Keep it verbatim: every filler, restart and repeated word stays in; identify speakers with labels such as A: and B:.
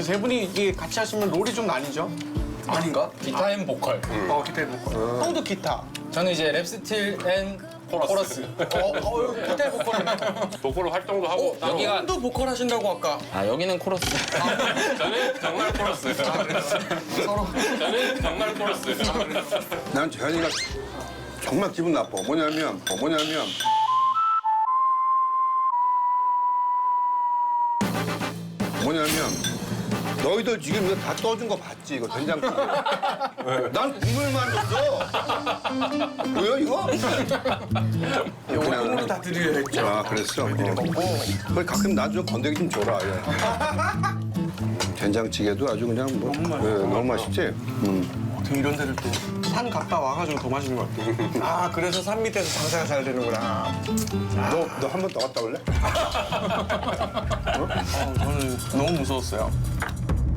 A: 그 세 분이 이게 같이 하시면 롤이 좀 나뉘죠? 아닌가?
B: 기타 앤 보컬.
A: 어, 기타 보컬. 형도 기타.
B: 저는 이제 랩 스틸 앤 코러스.
A: 어, 어, 기타 보컬이네.
C: 보컬 활동도 하고 따로.
B: 여기가
A: 형도 보컬 하신다고 아까.
B: 아 여기는 코러스.
C: 저는 정말 코러스.
A: 서로.
C: 저는 정말 코러스.
D: 난 재현이가 정말 기분 나빠. 뭐냐면, 뭐냐면. 뭐냐면, 너희들 지금 이거 다 떠준 거 봤지? 이거 된장찌개. 난 국물만 줬어. 뭐야, 이거?
A: 이거 형으로 다 드려야겠죠.
D: 아, 그랬어? 어. 그걸 가끔 나 좀 건더기 좀 줘라. 예. 된장찌개도 아주 그냥 뭐. 예, 너무 맛있지? 음.
A: 어떻게 이런 데를 또 산 갔다 와가지고 더 맛있는 것 같아. 아, 그래서 산 밑에서 장사가 잘 되는구나.
D: 너, 너 한 번 더 갔다 올래?
A: 어, 저는 너무 무서웠어요.